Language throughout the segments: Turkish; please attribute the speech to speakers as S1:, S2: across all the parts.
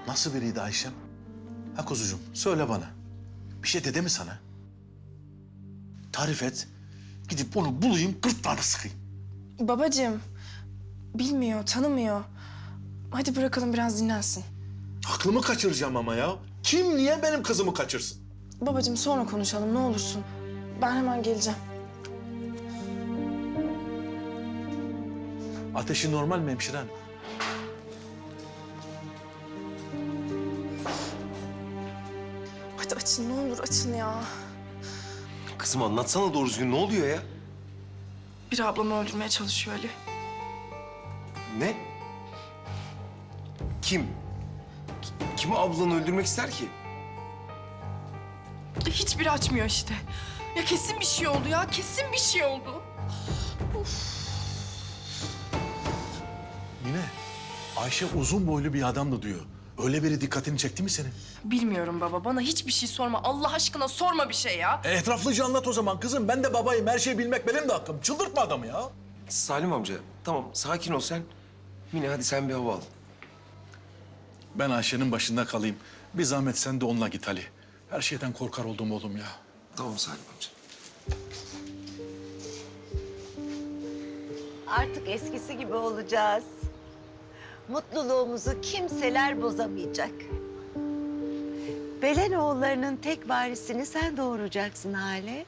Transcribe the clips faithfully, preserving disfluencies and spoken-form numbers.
S1: Nasıl biriydi Ayşem? Ha kuzucuğum söyle bana. Bir şey dedi mi sana? Tarif et. Gidip onu bulayım, gırtlağına sıkayım.
S2: Babacığım, bilmiyor, tanımıyor. Hadi bırakalım biraz dinlensin.
S1: Aklımı kaçıracağım ama ya. Kim niye benim kızımı kaçırsın?
S2: Babacığım sonra konuşalım ne olursun. Ben hemen geleceğim.
S1: Ateşi normal mi hemşire hanım?
S2: Hadi açın ne olur açın ya.
S3: Kızım anlatsana doğru düzgün ne oluyor ya?
S2: Bir ablamı öldürmeye çalışıyor Ali.
S3: Ne? Kim? Ki- Kim ablanı öldürmek ister ki?
S2: Hiçbiri açmıyor işte. Ya kesin bir şey oldu ya, kesin bir şey oldu.
S1: Mine, Ayşe uzun boylu bir adamdı diyor. Öyle biri dikkatini çekti mi senin?
S2: Bilmiyorum baba, bana hiçbir şey sorma. Allah aşkına sorma bir şey ya.
S1: E, etraflıca anlat o zaman kızım. Ben de babayım. Her şeyi bilmek benim de hakkım. Çıldırtma adamı ya.
S3: Salim amca tamam sakin ol sen. Mine hadi sen bir hava al.
S1: Ben Ayşe'nin başında kalayım. Bir zahmet sen de onunla git Ali. Her şeyden korkar oldum oğlum ya.
S3: Tamam Salim amca.
S4: Artık eskisi gibi olacağız. Mutluluğumuzu kimseler bozamayacak. Belenoğullarının tek varisini sen doğuracaksın Hale.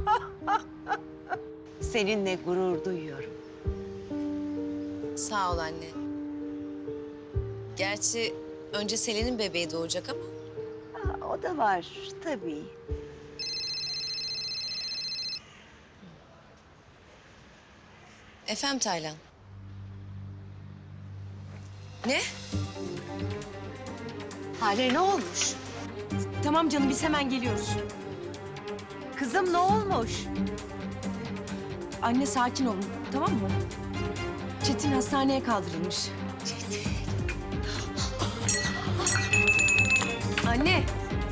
S4: Seninle gurur duyuyorum.
S5: Sağ ol anne. Gerçi önce Selen'in bebeği doğacak ama.
S4: Ha, o da var tabii.
S5: Efendim Taylan. Ne?
S4: Hale ne olmuş?
S6: Tamam canım biz hemen geliyoruz.
S4: Kızım ne olmuş?
S6: Anne sakin olun tamam mı? Çetin hastaneye kaldırılmış.
S4: Çetin.
S6: Anne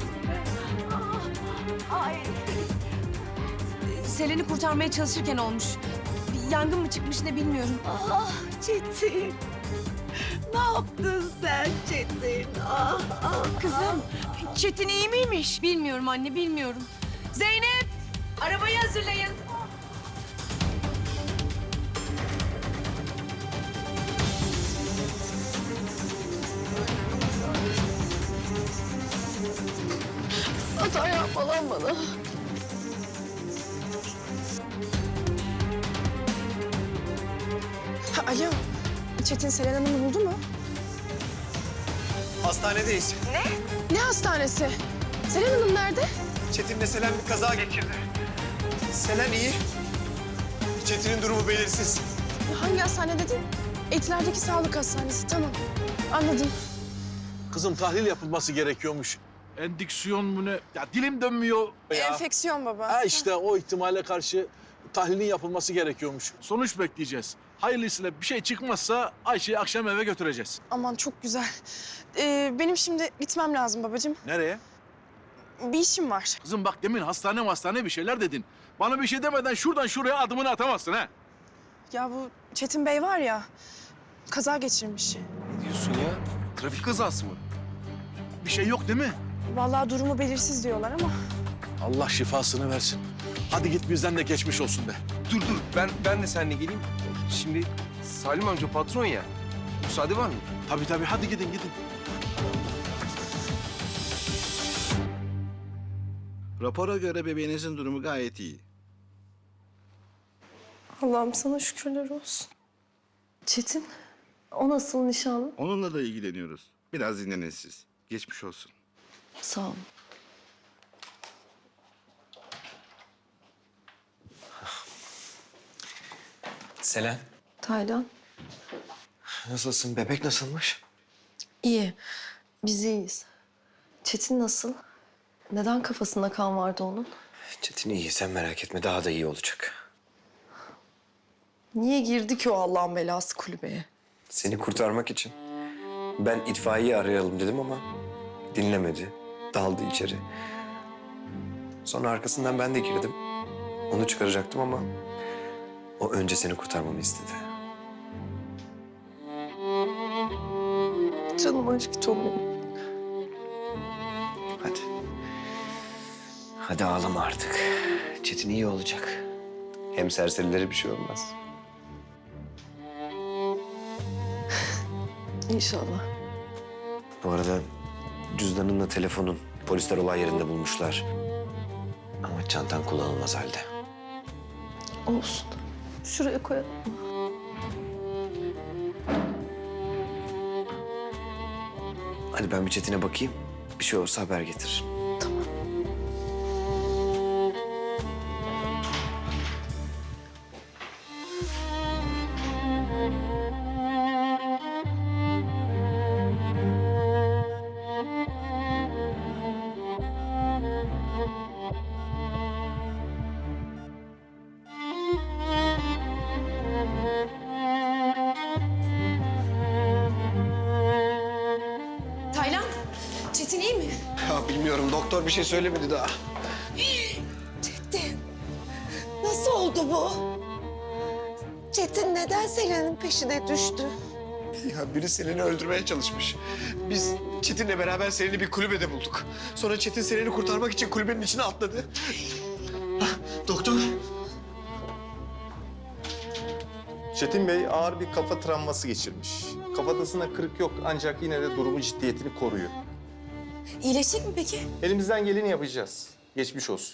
S4: Ay.
S6: Selen'i kurtarmaya çalışırken olmuş. Bir yangın mı çıkmış ne bilmiyorum.
S4: Ah Çetin. Ne yaptın sen Çetin? Ah, ah.
S6: Kızım Çetin iyi miymiş? Bilmiyorum anne bilmiyorum. Zeynep arabayı hazırlayın.
S2: Hata yapma lan bana. Ha, alo, Çetin Selen Hanım'ı buldu mu?
S7: Hastanedeyiz.
S2: Ne hastanesi? Selen Hanım nerede?
S7: Çetin'le Selen bir kaza geçirdi. Selen iyi. Çetin'in durumu belirsiz.
S2: Hangi hastane dedin? Etiler'deki sağlık hastanesi, tamam. Anladım.
S1: Kızım tahlil yapılması gerekiyormuş. Endüksiyon mu ne? Ya dilim dönmüyor ya.
S2: Enfeksiyon baba.
S1: Ha işte o ihtimale karşı tahlilin yapılması gerekiyormuş. Sonuç bekleyeceğiz. Hayırlısıyla bir şey çıkmazsa Ayşe'yi akşam eve götüreceğiz.
S2: Aman çok güzel. Ee, benim şimdi gitmem lazım babacığım.
S1: Nereye?
S2: Bir işim var.
S1: Kızım bak demin hastane hastane bir şeyler dedin. Bana bir şey demeden şuradan şuraya adımını atamazsın ha.
S2: Ya bu Çetin Bey var ya, kaza geçirmiş.
S3: Ne diyorsun ya? Trafik kazası mı?
S1: Bir şey yok değil mi?
S2: Vallahi durumu belirsiz diyorlar ama.
S1: Allah şifasını versin. Hadi git bizden de geçmiş olsun de.
S3: Dur dur ben ben de seninle geleyim. Şimdi Salim amca patron ya. Müsaade var mı?
S1: Tabii tabii hadi gidin gidin.
S8: Rapora göre bebeğinizin durumu gayet iyi.
S2: Allah'ım sana şükürler olsun. Çetin, o nasıl nişanlı?
S8: Onunla da ilgileniyoruz. Biraz dinlenin siz. Geçmiş olsun.
S2: Sağ ol.
S7: Selen.
S2: Taylan,
S7: Nasılsın? Bebek nasılmış?
S9: İyi. Biz iyiyiz. Çetin nasıl? Neden kafasında kan vardı onun?
S7: Çetin iyi. Sen merak etme. Daha da iyi olacak.
S9: Niye girdi ki o Allah'ın belası kulübeye?
S7: Seni kurtarmak için. Ben itfaiye arayalım dedim ama dinlemedi. Daldı içeri. Sonra arkasından ben de girdim. Onu çıkaracaktım ama o önce seni kurtarmamı istedi.
S9: Canım aşkı çok benim.
S7: Hadi ağlama artık. Çetin iyi olacak. Hem serserilere bir şey olmaz.
S9: İnşallah.
S7: Bu arada cüzdanınla telefonun polisler olay yerinde bulmuşlar. Ama çantan kullanılmaz halde.
S9: Olsun. Şuraya koyalım.
S7: Hadi ben bir Çetin'e bakayım. Bir şey olursa haber getiririm.
S5: Taylan, Çetin iyi mi?
S7: Ya bilmiyorum. Doktor bir şey söylemedi daha.
S4: Çetin, nasıl oldu bu? Çetin neden Selen'in peşine düştü?
S7: Ya biri Selen'i öldürmeye çalışmış. Biz Çetin'le beraber Selen'i bir kulübede bulduk. Sonra Çetin Selen'i kurtarmak için kulübenin içine atladı. Ah, doktor.
S10: Çetin Bey ağır bir kafa travması geçirmiş. Kafatasına kırık yok ancak yine de durumu ciddiyetini koruyor.
S5: İyileşecek mi peki?
S10: Elimizden geleni yapacağız. Geçmiş olsun.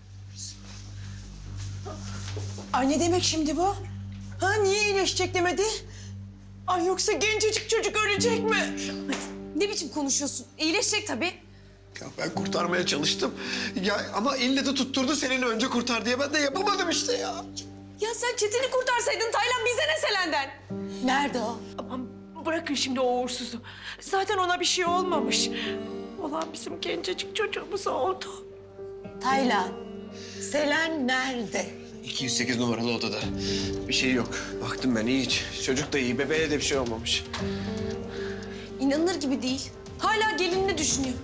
S6: Ay ne demek şimdi bu? Ha niye iyileşecek demedi? Ay yoksa gencecik çocuk ölecek mi?
S5: Ne biçim konuşuyorsun? İyileşecek tabii.
S7: Ya ben kurtarmaya çalıştım. Ya ama elle de tutturdu Selen'i önce kurtar diye. Ben de yapamadım işte ya.
S5: Ya sen Çetin'i kurtarsaydın Taylan, bize ne Selen'den?
S6: Nerede o? Aman bırakın şimdi o uğursuzu. Zaten ona bir şey olmamış. Olan bizim gencecik çocuğumuz oldu.
S4: Taylan, Selen nerede?
S7: iki yüz sekiz numaralı odada. Bir şey yok. Baktım ben iyi hiç. Çocuk da iyi. Bebeğe de bir şey olmamış.
S5: İnanılır gibi değil. Hala gelinini düşünüyor.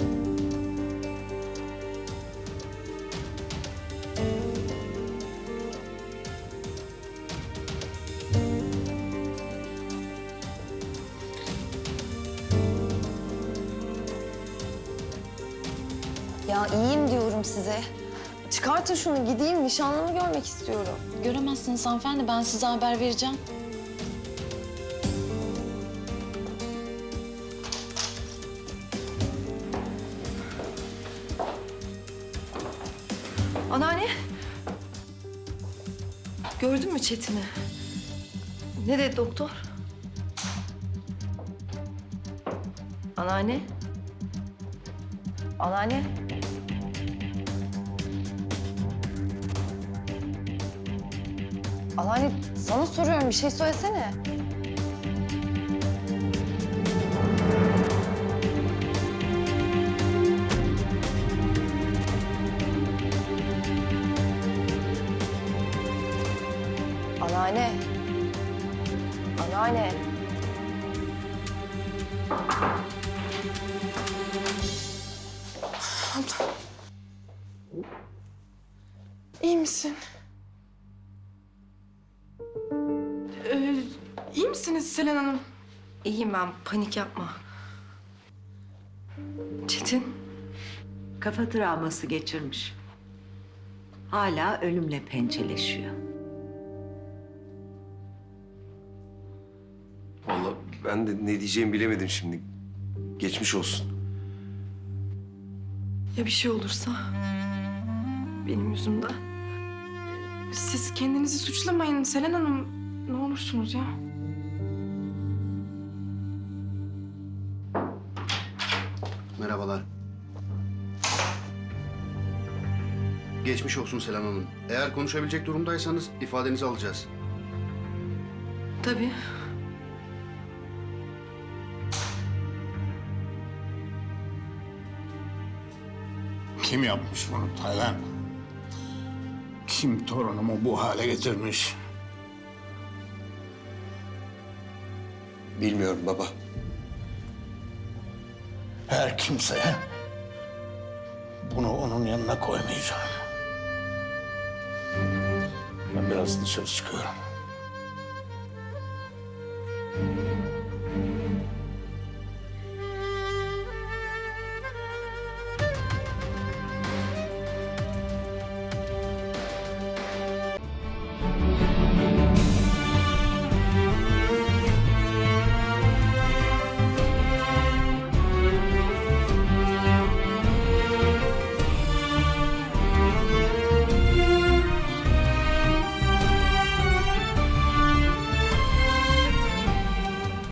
S9: Ya iyiyim diyorum size. Çıkartın şunu gideyim nişanlımı görmek istiyorum.
S2: Göremezsiniz hanımefendi. Ben size haber vereceğim.
S9: Anneanne. Gördün mü Çetin'i? Ne dedi doktor? Anneanne. Anneanne. Anneanne sana soruyorum bir şey söylesene. Anneanne. Anneanne.
S6: İyi misin? Ee, iyi misiniz Selen Hanım?
S9: İyiyim ben panik yapma. Çetin.
S4: Kafa travması geçirmiş. Hala ölümle pençeleşiyor.
S3: Vallahi ben de ne diyeceğimi bilemedim şimdi. Geçmiş olsun.
S6: Ya bir şey olursa? Benim yüzümden. Siz kendinizi suçlamayın Selen Hanım. Ne olursunuz ya.
S11: Merhabalar. Geçmiş olsun Selam Hanım. Eğer konuşabilecek durumdaysanız ifadenizi alacağız.
S6: Tabii.
S12: Kim yapmış bunu Taylan? Kim torunumu bu hale getirmiş?
S7: Bilmiyorum baba.
S12: Her kimseye bunu onun yanına koymayacağım. Ben biraz dışarı çıkıyorum.